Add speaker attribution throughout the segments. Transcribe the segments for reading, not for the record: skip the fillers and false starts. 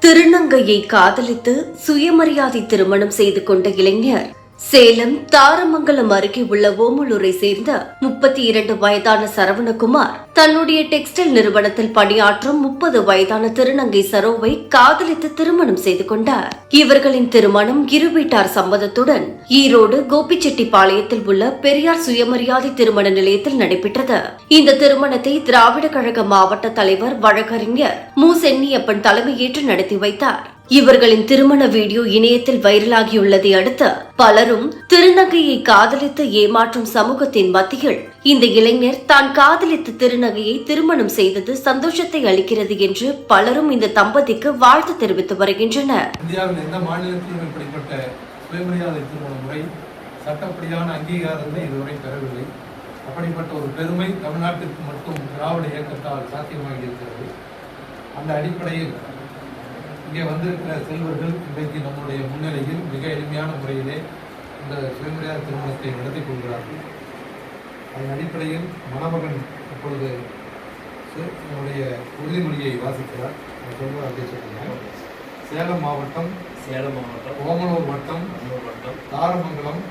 Speaker 1: திருநங்கையை காதலித்து சுயமரியாதை திருமணம் செய்து கொண்ட இளைஞர் சேலம் தாரமங்கலம் அருகே உள்ள ஓமலூரை சேர்ந்த 32 வயதான சரவணகுமார் தன்னுடைய டெக்ஸ்டைல் நிறுவனத்தில் பணியாற்றும் 30 வயதான திருநங்கை சரோவை காதலித்து திருமணம் செய்து கொண்டார். இவர்களின் திருமணம் இரு வீட்டார் சம்மதத்துடன் ஈரோடு கோபிச்செட்டிப்பாளையத்தில் உள்ள பெரியார் சுயமரியாதை திருமண நிலையத்தில் நடைபெற்றது. இந்த திருமணத்தை திராவிட கழக மாவட்ட தலைவர் வழக்கறிஞர் மு. சென்னியப்பன் தலைமையேற்று நடத்தி வைத்தார். இவர்களின் திருமண வீடியோ இணையத்தில் வைரலாகியுள்ளதை அடுத்து பலரும் திருநங்கையை காதலித்து ஏமாற்றும் சமூகத்தின் மத்தியில் இந்த இளைஞர் தான் காதலித்த திருநங்கையை திருமணம் செய்தது சந்தோஷத்தை அளிக்கிறது என்று பலரும் இந்த தம்பதிக்கு வாழ்த்து தெரிவித்து வருகின்றனர்.
Speaker 2: இந்தியாவில் எந்த மாநிலத்திலும் இப்படிப்பட்ட சுயமரியாதை திருமண முறை சட்டப்படியான அங்கீகாரத்தை இதுவரை பெறவில்லை. அப்படிப்பட்ட ஒரு பெருமை தமிழ்நாட்டிற்கு மட்டும் திராவிட இயக்கத்தால் சாத்தியமாகி இருக்கிறது. அந்த அடிப்படையில் இங்கே வந்திருக்கிற செல்வர்கள் இன்றைக்கு நம்முடைய முன்னிலையில் மிக எளிமையான முறையிலே இந்த சுயமரியாதை திருமணத்தை நடத்தி கொள்கிறார்கள். அதன் அடிப்படையில் மணமகன் இப்பொழுது நம்முடைய உறுதிமொழியை வாசிக்கிறார். சொல்லுவார் அப்படி சொல்லுங்க. சேலம் மாவட்டம் ஓமலூர் வட்டம் தாரமங்கலம்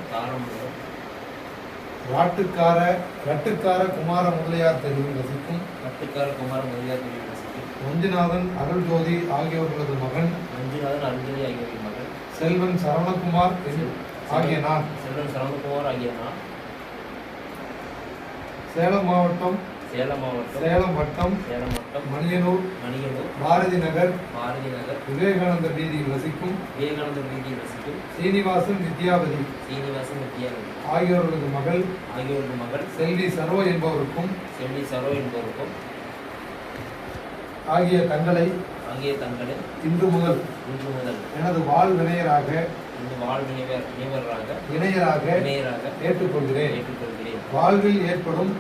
Speaker 2: ரட்டுக்கார குமார முதலியார் தெருவில் வசிக்கும் மஞ்சுநாதன் அருள்ஜோதி ஆகியோர்களது மகன் செல்வன் சரவணகுமார் ஆகிய நான் சேலம் வட்டம் மணியனூர் பாரதி நகர் விவேகானந்தர் வீதியில் வசிக்கும் சீனிவாசன் வித்யாவதி ஆகியோர்களது மகள் செல்வி சரோ என்பவருக்கும் ஆகிய தங்களை இன்று முதல் எனது வாழ் வினையராக ஏற்றுக்கொள்கிறேன். வாழ்வில் ஏற்படும்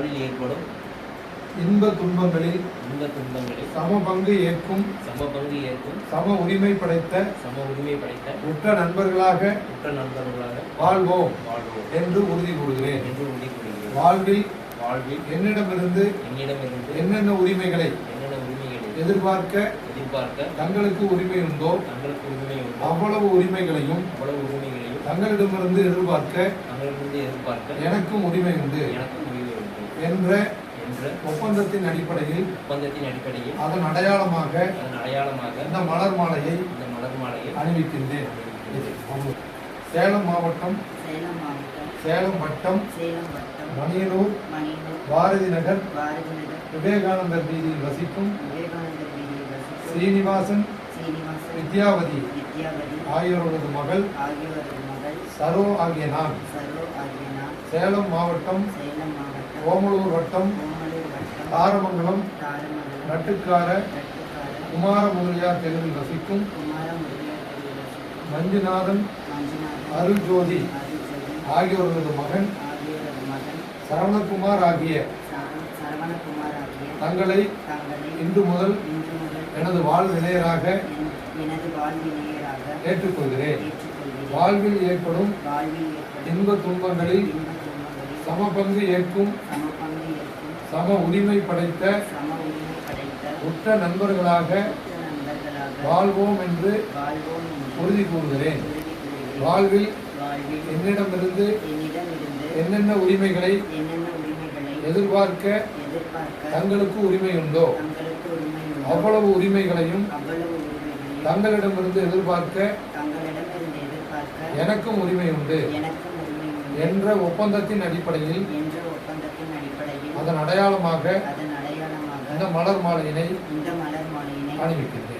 Speaker 2: இன்ப துன்பங்களில் சம பங்கு ஏற்கும் சம உரிமை படைத்த உற்ற நண்பர்களாக வாழ்வோம் என்று உறுதி கூறுகிறேன். வாழ்வில் என்னிடமிருந்து என்னென்ன உரிமைகளை எதிர்பார்க்க தங்களுக்கு உரிமை உண்டோ அவ்வளவு உரிமைகளையும் தங்களிடமிருந்து எதிர்பார்க்க எனக்கும் உரிமை உண்டு என்ற ஒப்பந்தத்தின் அடிப்படையில் அதன் அடையாளமாக இந்த மலர் மாலையை அணிவிக்கின்றேன். சேலம் மாவட்டம் சேலம் வட்டம் மணியனூர் பாரதி நகர் விவேகானந்தர் வீதியில் வசிக்கும் சீனிவாசன் வித்யாவதி ஆகியோரது மகள் சரோ ஆகிய நான் சேலம் மாவட்டம் ஓமலூர் வட்டம் தாரமங்கலம் ரட்டுக்கார குமார முதலியார் தெருவில் வசிக்கும் மஞ்சுநாதன் அருள்ஜோதி ஆகியோரது மகன் சரவணகுமார் ஆகிய தங்களை இன்று முதல் எனது வாழ் வினையராக ஏற்றுக்கொள்கிறேன். வாழ்வில் ஏற்படும் இன்ப துன்பங்களில் சம பங்கு ஏற்கும் சம உரிமை படைத்த உற்ற நண்பர்களாக வாழ்வோம் என்று உறுதி கூறுகிறேன். வாழ்வில் என்னிடமிருந்து என்னென்ன உரிமைகளை எதிர்பார்க்க தங்களுக்கு உரிமை உண்டோ அவ்வளவு உரிமைகளையும் தங்களிடமிருந்து எதிர்பார்க்க எனக்கும் உரிமை உண்டு என்ற ஒப்பந்தத்தின் அடிப்படையில் அதன் அடையாளமாக இந்த மலர் மாலையினை அணிவிக்கின்றேன்.